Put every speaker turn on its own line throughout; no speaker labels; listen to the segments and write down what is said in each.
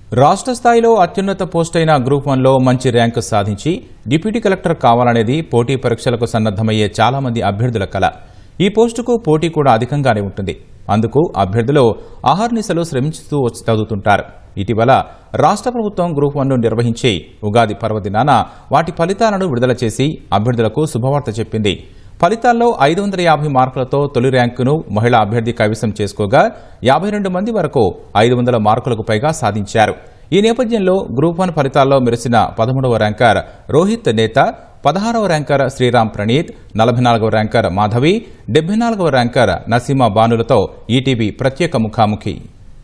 రాష్ట్ర స్థాయిలో అత్యున్నత పోస్ట్ అయిన గ్రూప్ 1లో మంచి ర్యాంకు సాధించి డిప్యూటీ కలెక్టర్ కావాలనేది పోటీ పరీక్షలకు సన్నద్దమయ్యే చాలా మంది అభ్యర్థుల కల. ఈ పోస్టుకు పోటీ కూడా అధికంగానే ఉంటుంది. అందుకు అభ్యర్థులు అహర్నిశలు శ్రమించుతూ చదువుతుంటారు. ఇటీవల రాష్ట్ర ప్రభుత్వం గ్రూప్ 1ను నిర్వహించి ఉగాది పర్వదినాన వాటి ఫలితాలను విడుదల చేసి అభ్యర్థులకు శుభవార్త చెప్పింది. ఫలితాల్లో 550 మార్కులతో తొలి ర్యాంకును మహిళా అభ్యర్థి కైవసం చేసుకోగా 52 మంది వరకు 500 మార్కులకు పైగా సాధించారు. ఈ నేపథ్యంలో గ్రూప్ 1 ఫలితాల్లో మెరిసిన 13వ ర్యాంకర్ రోహిత్ నేత, 16వ ర్యాంకర్ శ్రీరామ్ ప్రణీత్, 44వ ర్యాంకర్ మాధవి, 74వ ర్యాంకర్ నసీమా బానులతో ఈటీవీ ప్రత్యేక ముఖాముఖి.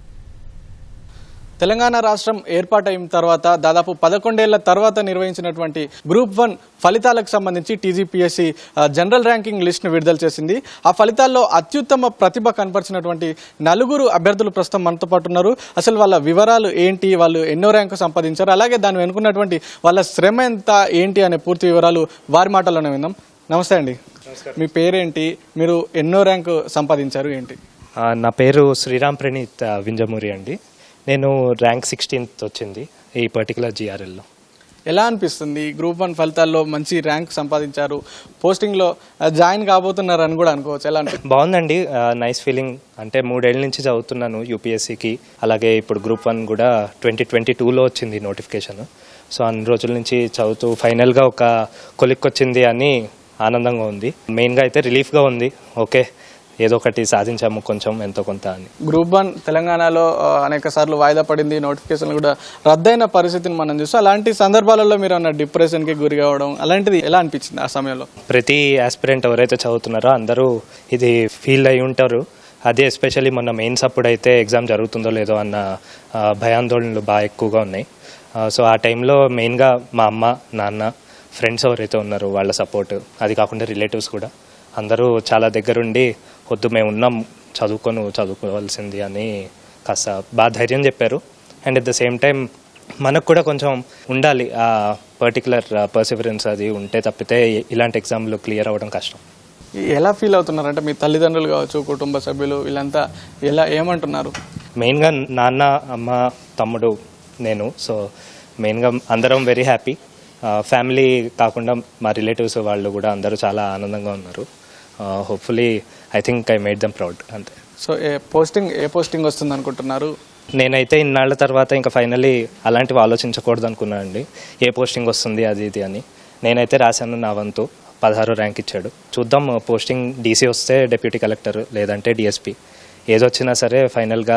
తెలంగాణ రాష్ట్రం ఏర్పాటైన తర్వాత దాదాపు 11 ఏళ్ల తర్వాత నిర్వహించినటువంటి గ్రూప్ 1 ఫలితాలకు సంబంధించి టీజీపీఎస్సీ జనరల్ ర్యాంకింగ్ లిస్ట్ను విడుదల చేసింది. ఆ ఫలితాల్లో అత్యుత్తమ ప్రతిభ కనపరిచినటువంటి 4 అభ్యర్థులు ప్రస్తుతం మనతో పాటు ఉన్నారు. అసలు వాళ్ళ వివరాలు ఏంటి, వాళ్ళు ఎన్నో ర్యాంకు సంపాదించారు, అలాగే దాన్ని వెనుకున్నటువంటి వాళ్ళ శ్రమ ఎంత ఏంటి అనే పూర్తి వివరాలు వారి మాటల్లోనే విందాం. నమస్తే అండి, మీ పేరేంటి, మీరు ఎన్నో ర్యాంకు సంపాదించారు ఏంటి?
నా పేరు శ్రీరామ్ ప్రణీత్ వింజమూరి అండి. నేను ర్యాంక్ 16th వచ్చింది ఈ పర్టికులర్ జిఆర్ఎల్లో.
ఎలా అనిపిస్తుంది? గ్రూప్ 1 ఫలితాల్లో మంచి ర్యాంక్ సంపాదించారు, పోస్టింగ్లో జాయిన్ కాబోతున్నారు అని కూడా అనుకోవచ్చు. ఎలా అనిపిస్తుంది?
బాగుందండి, నైస్ ఫీలింగ్. అంటే 3 ఏళ్ళ నుంచి చదువుతున్నాను యూపీఎస్సీకి. అలాగే ఇప్పుడు గ్రూప్ 1 కూడా 2022లో వచ్చింది నోటిఫికేషన్. సో అన్ని రోజుల నుంచి చదువుతూ ఫైనల్గా ఒక కొలిక్ వచ్చింది అని ఆనందంగా ఉంది. మెయిన్గా అయితే రిలీఫ్గా ఉంది. ఓకే, ఏదో ఒకటి సాధించాము కొంచెం ఎంతో కొంత అని.
గ్రూప్ 1 తెలంగాణలో అనేక సార్లు వాయిదా పడింది, నోటిఫికేషన్ కూడా రద్దయిన పరిస్థితిని మనం చూస్తాం. అలాంటి సందర్భాలలో మీరు అన్న డిప్రెషన్కి గురి కావడం అలాంటిది ఎలా అనిపించింది ఆ సమయంలో?
ప్రతి ఆస్పిరెంట్ ఎవరైతే చదువుతున్నారో అందరూ ఇది ఫీల్ అయి ఉంటారు. అదే ఎస్పెషల్లీ మొన్న మెయిన్స్ అప్పుడు అయితే ఎగ్జామ్ జరుగుతుందో లేదో అన్న భయాందోళనలు బాగా ఎక్కువగా ఉన్నాయి. సో ఆ టైంలో మెయిన్గా మా అమ్మ, నాన్న, ఫ్రెండ్స్ ఎవరైతే ఉన్నారో వాళ్ళ సపోర్ట్, అది కాకుండా రిలేటివ్స్ కూడా అందరూ చాలా దగ్గరుండి వద్దు మేము ఉన్నాం, చదువుకోవాల్సింది అని కాస్త బాగా ధైర్యం చెప్పారు. And at the same time మనకు కూడా కొంచెం ఉండాలి ఆ పర్టికులర్ పర్సివరెన్స్, అది ఉంటే తప్పితే ఇలాంటి ఎగ్జామ్లు క్లియర్ అవ్వడం కష్టం.
ఎలా ఫీల్ అవుతున్నారు? అంటే మీ తల్లిదండ్రులు కావచ్చు, కుటుంబ సభ్యులు వీళ్ళంతా ఏమంటున్నారు?
మెయిన్గా నాన్న, అమ్మ, తమ్ముడు, నేను. సో మెయిన్గా అందరం వెరీ హ్యాపీ. ఫ్యామిలీ కాకుండా మా రిలేటివ్స్ వాళ్ళు కూడా అందరూ చాలా ఆనందంగా ఉన్నారు. Hopefully I think I made them proud, అంతే.
సో ఏ పోస్టింగ్ వస్తుంది అనుకుంటున్నారు?
నేనైతే ఇన్నాళ్ళ తర్వాత ఇంకా ఫైనలీ అలాంటివి ఆలోచించకూడదు అనుకున్నాను అండి. ఏ పోస్టింగ్ వస్తుంది అది ఇది అని. నేనైతే రాశాను నా వంతు. 16 ర్యాంక్ ఇచ్చాడు. చూద్దాం, పోస్టింగ్ డీసీ వస్తే డెప్యూటీ కలెక్టర్, లేదంటే డిఎస్పీ, ఏదొచ్చినా సరే ఫైనల్గా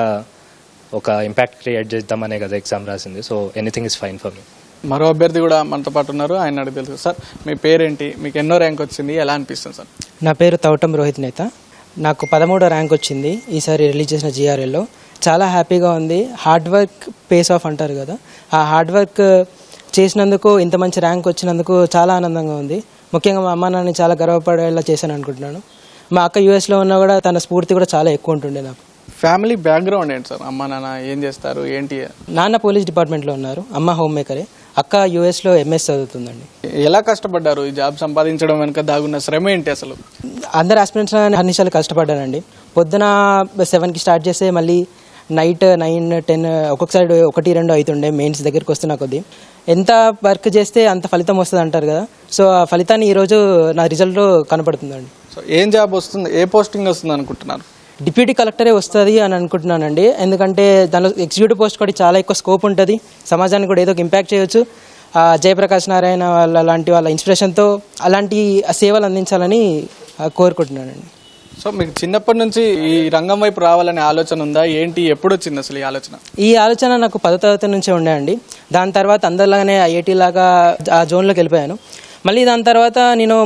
ఒక ఇంపాక్ట్ క్రియేట్ చేద్దామనే కదా ఎగ్జామ్ రాసింది. So anything is fine for me.
మరో అభ్యర్థి కూడా మనతో పాటు ఉన్నారు, ఆయన అడిగి తెలుసు. సార్, మీ పేరేంటి, మీకు ఎన్నో ర్యాంక్ వచ్చింది, ఎలా అనిపిస్తుంది సార్?
నా పేరు తౌటం రోహిత్ నేత. నాకు 13వ ర్యాంక్ వచ్చింది ఈసారి రిలీజ్ చేసిన జిఆర్ఎల్లో. చాలా హ్యాపీగా ఉంది. హార్డ్ వర్క్ పేస్ ఆఫ్ అంటారు కదా, ఆ హార్డ్ వర్క్ చేసినందుకు ఇంత మంచి ర్యాంక్ వచ్చినందుకు చాలా ఆనందంగా ఉంది. ముఖ్యంగా మా అమ్మ నాన్నని చాలా గర్వపడేలా చేశాను అనుకుంటున్నాను. మా అక్క యూఎస్లో ఉన్నా కూడా తన స్ఫూర్తి కూడా చాలా ఎక్కువ ఉంటుండే నాకు.
ఫ్యామిలీ బ్యాక్గ్రౌండ్ ఏంటి సార్? అమ్మ నాన్న ఏం చేస్తారు ఏంటి?
నాన్న పోలీస్ డిపార్ట్మెంట్లో ఉన్నారు, అమ్మ హోమ్ మేకరే, అక్క యూఎస్లో ఎంఎస్ చదువుతుందండి.
ఎలా కష్టపడ్డారు ఈ జాబ్ సంపాదించడం వెనుక దాగున్న శ్రమ ఏంటి అసలు?
అందరు ఆస్పిరెంట్స్ అన్ని నిమిషాలు కష్టపడ్డానండి. పొద్దున 7కి స్టార్ట్ చేస్తే మళ్ళీ నైట్ 9, 10 ఒక్కొక్కసారి 1, 2 అవుతుండే మెయిన్స్ దగ్గరికి వస్తున్నా కొద్దీ. ఎంత వర్క్ చేస్తే అంత ఫలితం వస్తుంది అంటారు కదా. సో ఆ ఫలితాన్ని ఈరోజు నా రిజల్ట్ కనపడుతుందండి.
సో ఏం జాబ్ వస్తుంది, ఏ పోస్టింగ్ వస్తుంది అనుకుంటున్నారు?
డిప్యూటీ కలెక్టరే వస్తుంది అని అనుకుంటున్నానండి. ఎందుకంటే దానిలో ఎగ్జిక్యూటివ్ పోస్ట్ కూడా చాలా ఎక్కువ స్కోప్ ఉంటుంది, సమాజానికి కూడా ఏదో ఒక ఇంపాక్ట్ చేయొచ్చు. జయప్రకాష్ నారాయణ లాంటి వాళ్ళ ఇన్స్పిరేషన్తో అలాంటి సేవలు అందించాలని కోరుకుంటున్నానండి.
సో మీకు చిన్నప్పటి నుంచి ఈ రంగం వైపు రావాలనే ఆలోచన ఉందా ఏంటి? ఎప్పుడు వచ్చింది అసలు ఈ ఆలోచన?
నాకు 10వ తరగతి నుంచే ఉండే. దాని తర్వాత అందరిలాగానే ఐఐటీ లాగా ఆ జోన్లోకి వెళ్ళిపోయాను. మళ్ళీ దాని తర్వాత నేను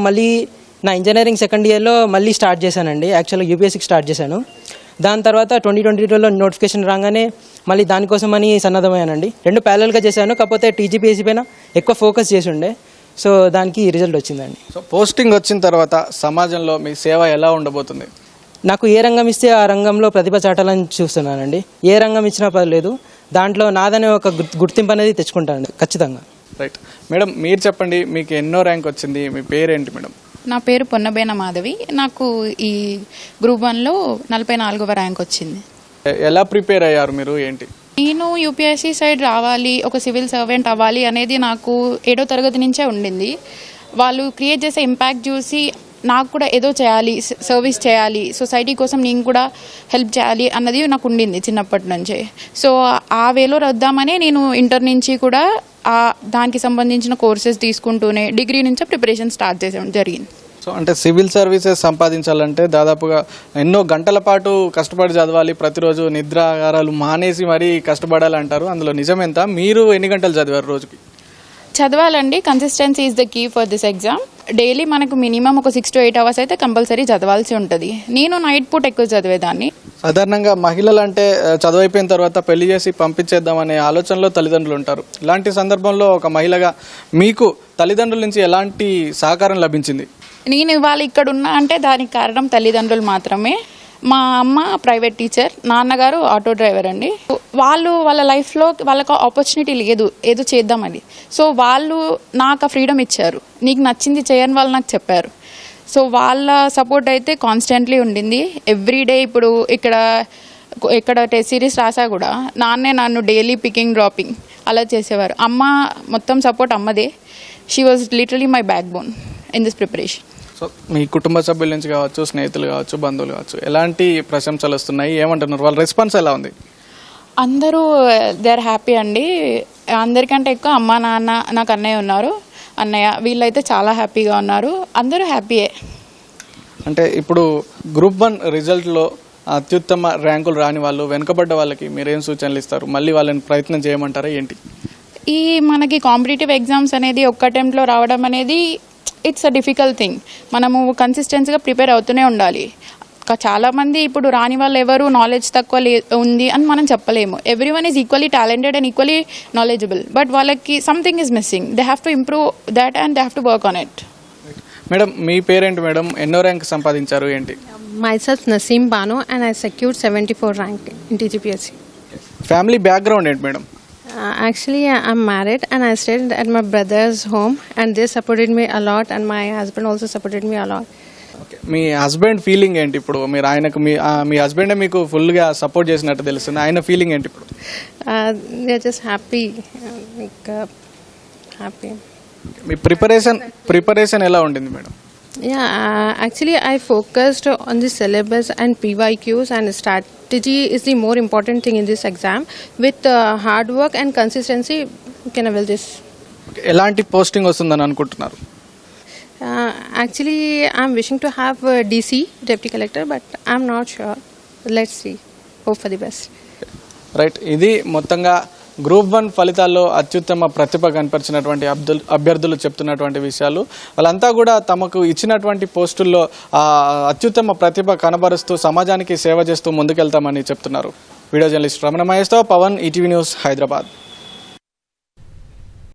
నా ఇంజనీరింగ్ సెకండ్ ఇయర్లో మళ్ళీ స్టార్ట్ చేశానండి. యాక్చువల్గా యూపీఎస్సీకి స్టార్ట్ చేశాను. దాని తర్వాత 2022లో నోటిఫికేషన్ రాగానే మళ్ళీ దానికోసమని సన్నద్ధమయ్యానండి. 2 ప్యారలల్గా చేశాను, కాకపోతే టీజీపీఎస్సీ పైన ఎక్కువ ఫోకస్ చేసి ఉండే. సో దానికి రిజల్ట్ వచ్చిందండి.
సో పోస్టింగ్ వచ్చిన తర్వాత సమాజంలో మీ సేవ ఎలా ఉండబోతుంది?
నాకు ఏ రంగం ఇస్తే ఆ రంగంలో ప్రతిభ చాటాలని చూస్తున్నానండి. ఏ రంగం ఇచ్చినా పర్లేదు, దాంట్లో నాదనే ఒక గుర్తింపు అనేది తెచ్చుకుంటానండి ఖచ్చితంగా.
రైట్ మేడం, మీరు చెప్పండి, మీకు ఎన్నో ర్యాంక్ వచ్చింది, మీ పేరేంటి మేడం?
నా పేరు పొన్నబేన మాధవి. నాకు ఈ గ్రూప్ 1లో 44వ ర్యాంక్ వచ్చింది.
ఎలా ప్రిపేర్ అయ్యారు మీరు ఏంటి?
నేను యూపీఎస్సీ సైడ్ రావాలి, ఒక సివిల్ సర్వెంట్ అవ్వాలి అనేది నాకు 7వ తరగతి నుంచే ఉండింది. వాళ్ళు క్రియేట్ చేసే ఇంపాక్ట్ చూసి నాకు కూడా ఏదో చేయాలి, సర్వీస్ చేయాలి, సొసైటీ కోసం నేను కూడా హెల్ప్ చేయాలి అన్నది నాకు ఉండింది చిన్నప్పటి నుంచే. సో ఆ వేలో వద్దామని నేను ఇంటర్ నుంచి కూడా దానికి సంబంధించిన కోర్సెస్ తీసుకుంటూనే డిగ్రీ నుంచే ప్రిపరేషన్ స్టార్ట్ చేసాం జరిగింది.
సో అంటే సివిల్ సర్వీసెస్ సంపాదించాలంటే దాదాపుగా ఎన్నో గంటల పాటు కష్టపడి చదవాలి, ప్రతిరోజు నిద్రాగారాలు మానేసి మరీ కష్టపడాలి అంటారు. అందులో నిజమెంత? మీరు ఎన్ని గంటలు చదివారు రోజుకి?
చదవాలండి. Consistency is the key for this exam. Daily మనకు మినిమం ఒక 6 to 8 hours అయితే కంపల్సరీ చదవాల్సి ఉంటుంది. నేను నైట్ పూట ఎక్కువ చదివేదాన్ని.
సాధారణంగా మహిళలు అంటే చదువు అయిపోయిన తర్వాత పెళ్లి చేసి పంపించేద్దామనే ఆలోచనలో తల్లిదండ్రులు ఉంటారు. ఇలాంటి సందర్భంలో ఒక మహిళగా మీకు తల్లిదండ్రుల నుంచి ఎలాంటి సహకారం లభించింది?
నేను ఇవాళ ఇక్కడ ఉన్నా అంటే దానికి కారణం తల్లిదండ్రులు మాత్రమే. మా అమ్మ ప్రైవేట్ టీచర్, నాన్నగారు ఆటో డ్రైవర్ అండి. వాళ్ళు వాళ్ళ లైఫ్లో వాళ్ళకు ఆపర్చునిటీ లేదు ఏదో చేద్దామని. సో వాళ్ళు నాకు ఆ ఫ్రీడమ్ ఇచ్చారు. నీకు నచ్చింది చేయని వాళ్ళు నాకు చెప్పారు. సో వాళ్ళ సపోర్ట్ అయితే కాన్స్టెంట్లీ ఉండింది. ఎవ్రీడే ఇప్పుడు ఇక్కడ టెస్ట్ సిరీస్ రాసా కూడా నాన్నే నన్ను డైలీ పికింగ్ డ్రాపింగ్ అలా చేసేవారు. అమ్మ మొత్తం సపోర్ట్ అమ్మదే. She was literally my backbone in this preparation.
So మీ కుటుంబ సభ్యుల నుంచి కావచ్చు, స్నేహితులు కావచ్చు, బంధువులు కావచ్చు, ఎలాంటి ప్రశంసలు వస్తున్నాయి? ఏమంటున్నారు? వాళ్ళ రెస్పాన్స్ ఎలా ఉంది?
అందరూ దే ఆర్ హ్యాపీ అండి. అందరికంటే ఎక్కువ అమ్మ, నాన్న, నాకు అన్నయ్య ఉన్నారు, అన్నయ్య, వీళ్ళైతే చాలా హ్యాపీగా ఉన్నారు. అందరూ హ్యాపీయే.
అంటే ఇప్పుడు గ్రూప్ 1 రిజల్ట్లో అత్యుత్తమ ర్యాంకులు రాని వాళ్ళు, వెనుకబడ్డ వాళ్ళకి మీరేం సూచనలు ఇస్తారు? మళ్ళీ వాళ్ళని ప్రయత్నం చేయమంటారా ఏంటి?
ఈ మనకి కాంపిటేటివ్ ఎగ్జామ్స్ అనేది ఒక్క అటెంప్ట్లో రావడం అనేది ఇట్స్ అ డిఫికల్ట్ థింగ్. మనము కన్సిస్టెన్సీగా ప్రిపేర్ అవుతూనే ఉండాలి. చాలామంది ఇప్పుడు రాని వాళ్ళు ఎవరు నాలెడ్జ్ తక్కువ ఉంది అని మనం చెప్పలేము. Everyone is equally talented and equally knowledgeable, but వాళ్ళకి something is missing. They have to improve that and they have to work on it.
Madam, మీ పేరేంటి మేడం? ఎన్నో ర్యాంక్ సంపాదించారు ఏంటి?
Myself Naseem Bano and I secured 74 rank in TGPSC.
Family background ఏంటి madam?
Actually, I'm married and I stayed at my brother's home and they supported me a lot and my husband also supported me a lot.
మీ husband feeling ఏంటి ఇప్పుడు? మీరు ఆయనకు మీ హస్బెండే మీకు ఫుల్గా support చేసినట్టు తెలుస్తుంది. ఆయన ఫీలింగ్ ఏంటి ఇప్పుడు?
They're just happy, happy.
మీ ప్రిపరేషన్ ఎలా ఉండింది madam?
Yeah, actually I focused on the syllabus and PYQs and strategy is the more important thing in this exam. With hard work and consistency, you can avail this.
ఎలాంటి posting వస్తుందని అనుకుంటున్నారు?
Actually, I'm wishing to have DC, Deputy Collector, but I'm not sure. Let's see. Hope for the best.
Right, ఇది మొత్తంగా group 1 ఫలితాల్లో అత్యుత్తమ ప్రతిభ కనపరిచినటువంటి అభ్యర్థులు చెప్తున్నటువంటి విషయాలు. వాళ్ళంతా కూడా తమకు ఇచ్చినటువంటి పోస్టుల్లో అత్యుత్తమ ప్రతిభ కనబరుస్తూ సమాజానికి సేవ చేస్తూ ముందుకెళ్తామని చెప్తున్నారు. వీడియో జర్నలిస్ట్ రమణ మహేష్తో పవన్, ఈటీవీ న్యూస్, హైదరాబాద్.